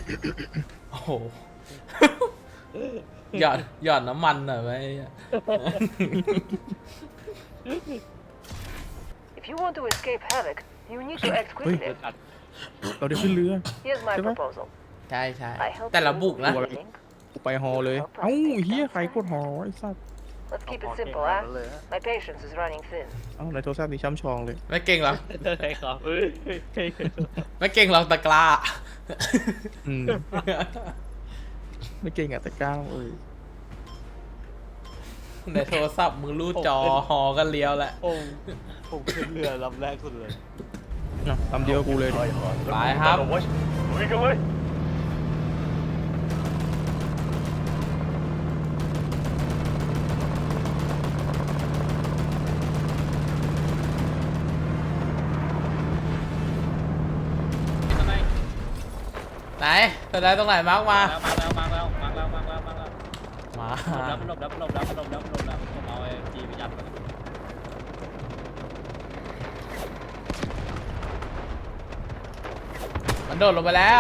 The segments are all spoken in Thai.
โอ้โหหยอดน้ำมันหน่อยไหม If you want to escape havoc, you need to act เฮ้ย quickly. เราได้ขึ้นเรือ Here's my Come on. proposal. ใช่ใช่ I help แต่ละ you บุกนะ with winning. ไปฮอเลยเอ้าเฮียใครกดฮอไอ้สัส Let's keep it simple, huh? My patience is running thin. เอ้าในโทรศัพท์นี่ช้ำชองเลยไม่เก่งหรอกใช่ครับไม่เก่งหรอกตะกร้าอืมไม่เก่งอะแต่ก้าวในโทรศัพท์มึงรูดจอหอกันเลี้ยวแหละผมขึ้นเรือลำแรกสุดเลยนะลำเดียวกูเลยดิไปครับลุยกันเลยไหนแสดงตรงไหนมาร์กมามาแล้วมาแล้วมาแล้วมาแล้วมาแล้วมาหลบแล้วหลบแล้วหลบแล้วหลบแล้วหลบแล้วผมเอาไอ้จีไปยัดมันมันโดดลงไปแล้ว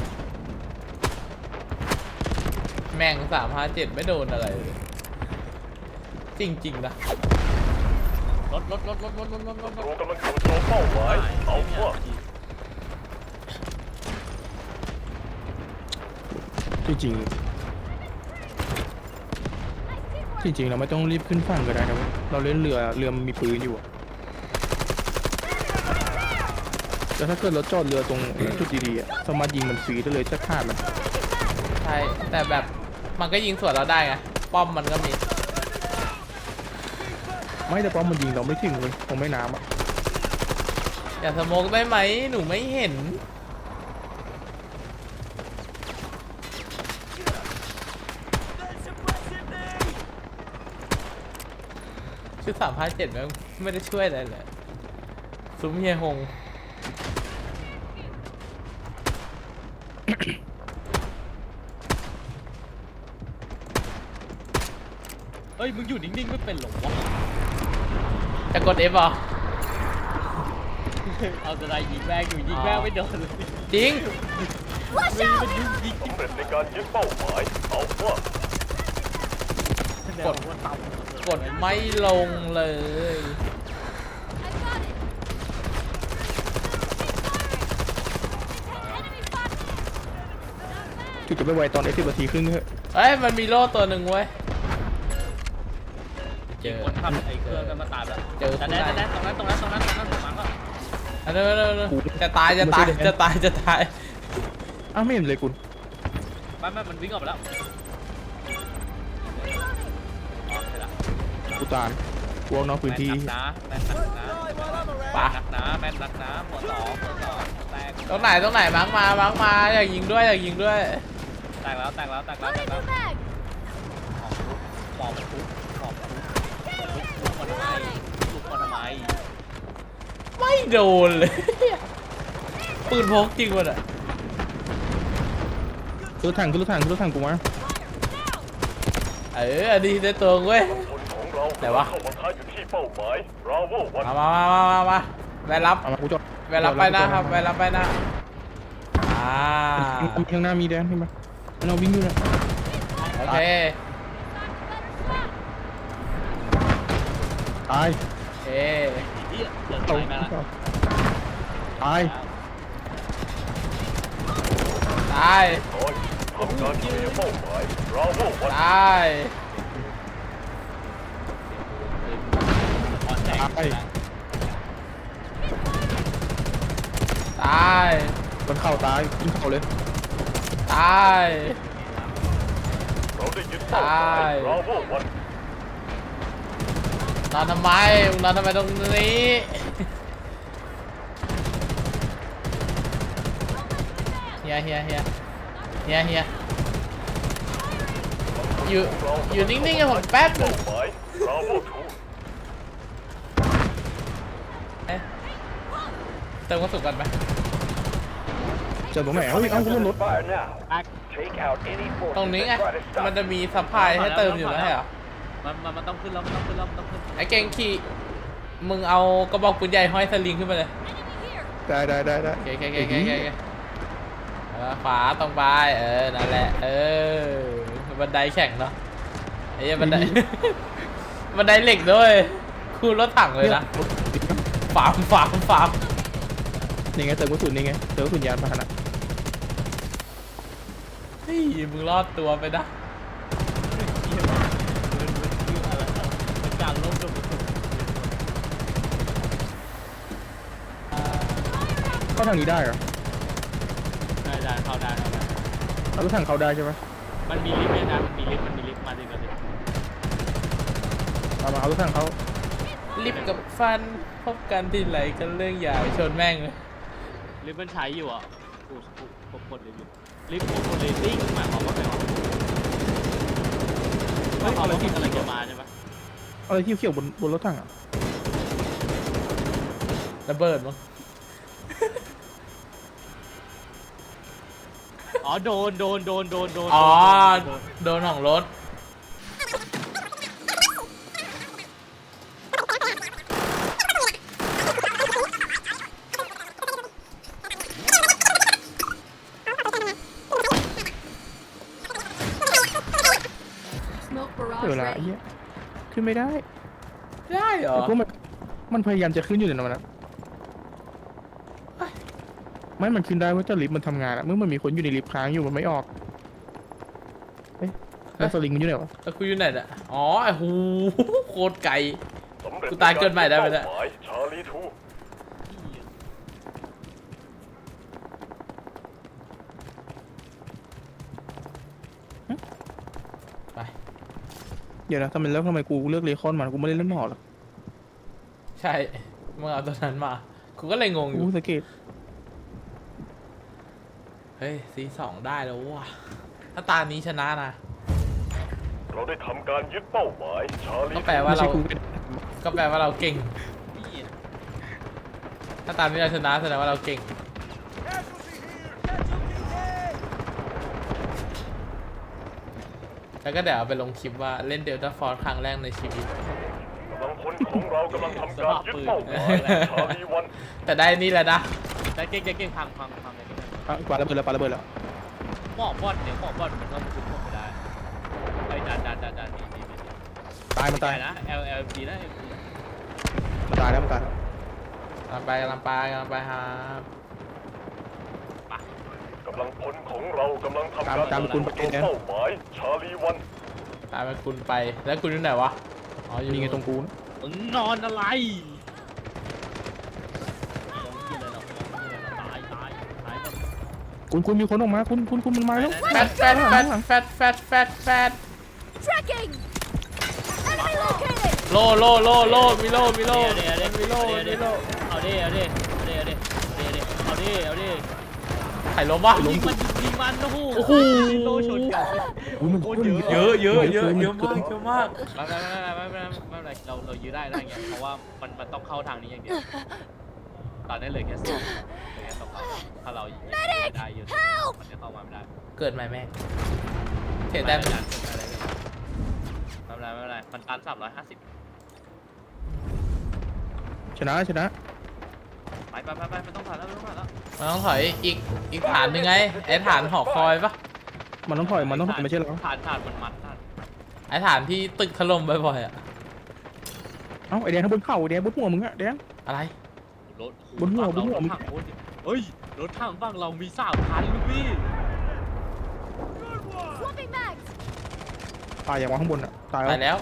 แม่ง357ไม่โดนอะไรเลยจริงๆนะรถศัตรูกำลังจู่โจมเป้าหมายเอาพวกจริงจริงเราไม่ต้องรีบขึ้นฝั่งก็ได้นะเว้ยเราเล่นเรือมันมีปืนอยู่อะแต่ถ้าเกิดเราจอดเรือตรงจุดดีๆอะสามารถยิงมันฟรีได้เลยจะฆ่ามันใช่แต่แบบมันก็ยิงสวนเราได้ไงป้อมมันก็มีไม่แต่ป้อมมันยิงเราไม่ถึงเลยคงไม่น้ำอะอย่าสโมกได้ไหมหนูไม่เห็นชุด357ไม่ได้ช่วยอะไรเลยซุ้มเฮียฮงเฮ้ยมึงอยู่นิ่งๆไม่เป็นหรอวะจะกด F เหรอเอาจะได้ยิงแม่งอยู่ยิงแม่งไม่โดนเลยจริงมันยิงสำเร็จในการยึดเป้าหมายเอาพวกกดว่าต่ำกดไม่ลงเลยจุดจะไปไวตอน10 นาทีครึ่งเถอะเอ้ยมันมีโล่ตัวหนึ่งเว้ยเจอคนขับไอ้เครื่องกันมาตายแล้วเจอแต่แน่ตรงนั้นผมมังก็อันนั้นจะตายจะตายอ้าวไม่เห็นเลยคุณไม่มันวิ่งออกไปแล้วอ๋อใช่ละกูตานกวงนอกพื้นที่แม่นนักนะแม่นนักนะหัวต่อแตกตรงไหนมาร์กมาอยากยิงด้วยแตกแล้วหมอบทุบลุกมาทำไมไม่โดนเลย ปืนพกจริงวะเนี่ยรถถังกูมาอันนี้ได้ตัวเว้ยคนของเราไหนวะเข้ามาท้าอยู่ที่เป้าหมายราโววันมาไปรับเอามากูจอดไปรับไปนะครับไปรับไปนะอ่าข้างหน้ามีแดนเห็นปะเราวิ่งอยู่นะโอเคตายโอเคที่เดินตกไปมาแล้วตายตายน้อยทำการเคลียร์เป้าหมายราโววันตายอ่อนแรงตายมันเข้าตายยิงเข้าเลยตายเราได้ยึดเป้าหมายราโววันนอนทำไมตรงนี้เฮียอยู่นิ่งๆกับผมแป๊บนึงเป้าหมายราโวทูเติมกระสุนกันไหมเจอผมแหมเอากูบนรถตรงนี้ไงมันจะมีซัพพลายให้เติมอยู่แล้วเหรอมันต้องขึ้นแล้วมันต้องขึ้นไอ้เก่งขี่มึงเอากระบอกปืนใหญ่ห้อยสลิงขึ้นไปเลยได้โอเคขวาตรงไปนั่นแหละบันไดแข็งเนาะไอ้เหี้ยบันได บันไดเหล็กด้วยคูรถถังเลยนะฟาร์มนี่ไงเติมกระสุนนี่ไงเติมกระสุนยานพาหนะเฮ้ยมึงรอดตัวไปนะเป็นการล้มจนเข้าทางนี้ได้เหรอได้เข้าได้เอารถถังเข้าได้ใช่ไหมมันมีลิฟต์เนี่ยนะมันมีลิฟต์มาสิเอามาเอารถถังเขาลิฟต์กับฟันพบกันที่ไหลกันเรื่องใหญ่ชนแม่งเลยลิฟต์มันใช้อยู่อ่ะกูกดลิฟต์ลิฟต์กดเลตติ้งหมายความว่าไงวะไม่ความว่าอะไรจะมาใช่ไหมเอาอะไรเขียวๆบนรถถังอ่ะระเบิดมั้งอ๋อโดนอ๋อโดนของรถเวลาไอ้เหี้ยขึ้นไม่ได้ได้เหรอแต่พวกมันพยายามจะขึ้นอยู่ในนั้นนะไม่มันขึ้นได้เพราะจะลิฟต์มันทำงานอะเมื่อมันมีคนอยู่ในลิฟต์ค้างอยู่มันไม่ออกเอ๊ะแล้วสลิงมันอยู่ไหนวะแล้วกูอยู่ไหนอ่ะอ๋อไอ้หูโคตรไกลสำเร็จกูตายเกินใหม่ได้ไหมเนี่ยเป้าหมายชาลีทูไปเดี๋ยวนะทำไมกูเลือกเลคอนมากูไม่ได้เล่นหมอหรอกใช่มึงเอาตัวนั้นมากูก็เลยงงอยู่กูสเกตเฮ้ยC2ได้แล้วว่ะถ้าตานี้ชนะนะเราได้ทำการยึดเป้าหมายชาลีก็ทูแปลว่าไม่ใช่เรากูก็แปลว่าเราเก่ง ถ้าตามนี้เราชนะแสดงว่าเราเก่ง แล้วก็เดี๋ยวเอาไปลงคลิปว่าเล่นเดลต้าฟอร์สครั้งแรกในชีวิตกำลังพลของเรากำลังทำการยึดเป้าหมายชาลีวันแต่ได้นี่แหละนะแต่เก่งพังเลยอ่ะปาระเบิดแล้วหมอกบอลเนี่ยหมอกบอลมันก็คุมพวกไม่ได้ไอ้ดันดีตายมันตายนะ LLG นะมันตายแล้วมันตายแล้วกำลังไปครับกำลังพลของเรากำลังทำการตามคุณไปยึดนะเป้าหมายชาลีวันตามไปคุณไป แล้วคุณอยู่ไหนวะ อ๋ออยู่นี่ไงตรงกูนะมึงนอนอะไรตายคุณมีคนออกมาคุณมันมาแล้วแฟด Tracking! Enemy located! โลมีโลเอาดิไข่ล้มวะยิงมันโอ้โหโอ้โหโลชนกันมันโคตรเยอะเยอะมากไม่เป็นไรเรายื้อได้เงี้ยเพราะว่ามันต้องเข้าทางนี้อย่างเดียวตอนนี้เหลือแค่2ถ้าเรายิงได้อยู่มันจะเข้ามาไม่ได้เกิดใหม่แม่งเสียแต้มไม่เป็นไรมันตัน350 ชนะไปมันต้องผ่านแล้วมันต้องถอยอีกฐานหนึ่งไง ไอ้ฐานหอคอยปะมันต้องถอยไม่ใช่เหรอผ่านมันไอ้ฐานที่ตึกถล่มบ่อยๆอะเอ้าไอแดงข้างบนเข่าไอแดงบนหัวมึงอะแดงอะไรรถบนหัวเฮ้ยรถถังฝั่งเรามี3,000ลูกพี่ Swapping mags! ตายอย่างว่าข้างบนอะตายตายแล้ว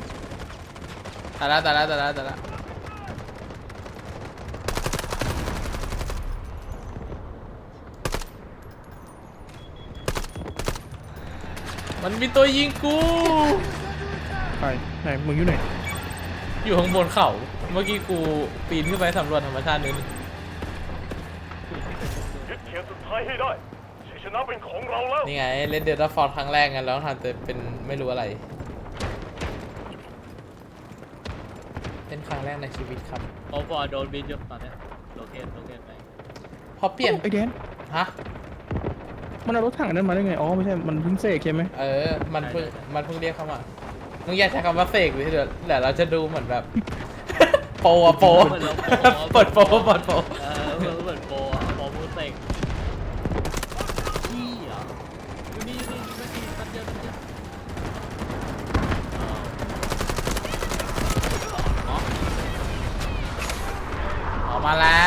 มันมีตัวยิงกูไปไหนมึงอยู่ไหนอยู่ข้างบนเขา เมื่อกี้กูปีนขึ้นไปสำรวจธรรมชาตินิดนึงยึดเขตสุดท้ายให้ได้ชัยชนะเป็นของเราแล้วนี่ไงเล่นเดลต้าฟอร์ครั้งแรกไงแล้วทำแต่เป็นไม่รู้อะไรเล่นครั้งแรกในชีวิตครับโอ้ฟอร์โดนบินอยู่ตอนนี้โลเคทไปพอเปลี่ยนไอแดงฮะมันเอารถถังนั้นมาได้ไงอ๋อไม่ใช่มันเพิ่งเสกใช่ไหมมันเพิ่งเรียกเข้ามามึงอยากใช้คำว่าเสกหรือเดี๋ยวเราจะดูเหมือนแบบ โปอะโปเปิดโปเหมือนโปรมูเซกมาแล้ว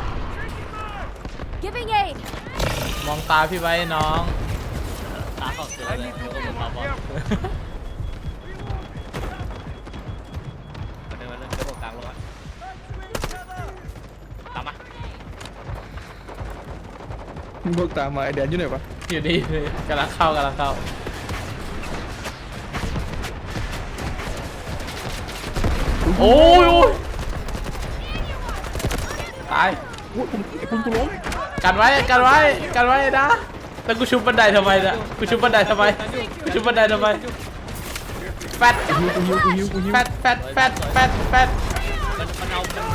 Giving aid. มองตาพี่ไว้น้องตาเข้าเสือเลยเดี๋ยวก็หมดตาบอดมาเดินเดี๋ยวบอกกลางลงอ่ะตามมามึงพวกตามมาไอแดนอยู่ไหนวะอยู่นี่เลยกำลังเข้ากำลังเข้าโอ้ยโอ้ยตายอุ้ยผมไอ้คุณกูล้มกันไว้กันไว้กันไว้นะแล้วกูชุบบันไดทำไมนะกูชุบบันไดทำไมกูชุบบันไดทำไมแฟตกูหิวแฟตแฟตแฟตแฟตแฟตมันเอา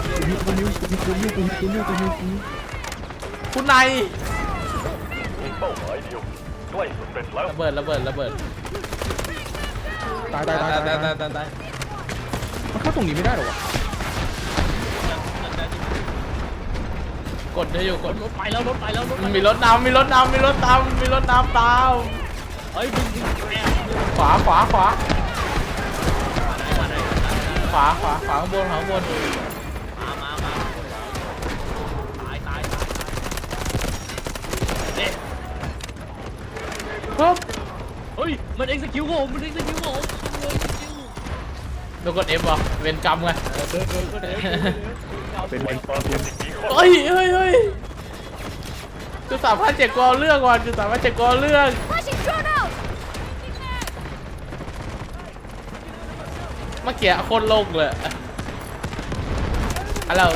คุณนายมีเป้าหมายเดียวใกล้สำเร็จแล้วระเบิดระเบิดระเบิดตายตายตายตายตายตายตายมันเข้าตรงนี้ไม่ได้หรอวะกดได้อยู่กดรถไปแล้วรถไปแล้วรถมีรถน้ำมีรถน้ำมีรถตามมีรถน้ำตามเฮ้ยดึงแอบขวาขวาขวามาไหนขวาขวาขวาข้างบนขวาข้างบนมาตายเด็ดครับเฮ้ยมัน execute ผมมัน execute ผมเลยโดนกด F ว่ะเวรกรรมไงเป็นไรบาดเจ็บอีกกี่คนเฮ้ยเฮ้ยเฮ้ยจุด3,700กว่าเรื่องว่ะจุด3,700กว่าเรื่อง Flashing drone out. เมื่อกี้โคตรโลกเลยฮัลโหล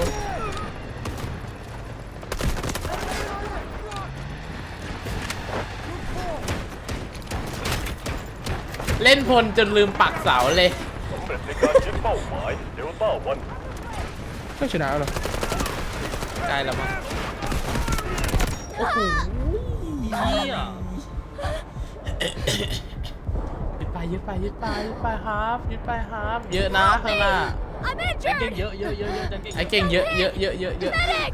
เล่นพลจนลืมปักเสาเลยสำเร็จในการยึดเป้าหมายเดลต้าวันไม่ชนะหรอใกล้แล้วมั้งโอ้โหเหี้ยยึดไปยึดไปยึดไปยึดไปครับยึดไปครับเยอะนะข้างหน้า I'm เก่ง injured. เยอะจังเก่งไอ้เก่งเยอะเยอะเยอะเยอะเยอะ Medic.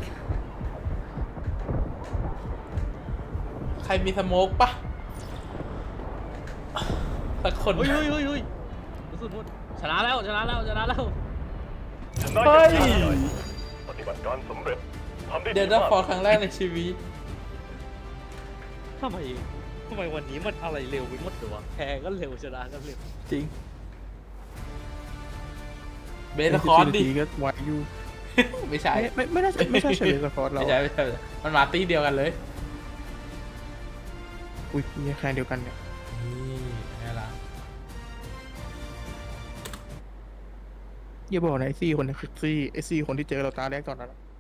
ใครมีสโมกปะสักคนเฮ้ยสุดหมดชนะแล้วชนะอย่างยิ่งใหญ่ปฏิบัติการสำเร็จทำได้เดดีลต้ามากฟอร์ครั้งแรกในชีวิตทำไมวันนี้มันอะไรเร็วไปหมดเลยวะแพ้ก็เร็วชนะก็เร็วจริงเบสคอร์สดิก็ไวอยู่ไม่ใช่ไม่น่าไม่ใช่เฉลยสปอร์ตเราไม่ใช่ไม่ใช่มันมาตีเดียวกันเลยอุ้ยมีแค่เดียวกันเนี่ยนี่ไงล่ะอย่าบอกนะไอซี่คนนี้คือซี่ไอซี่คนที่เจอเราตาแรกตอนนั้นอะ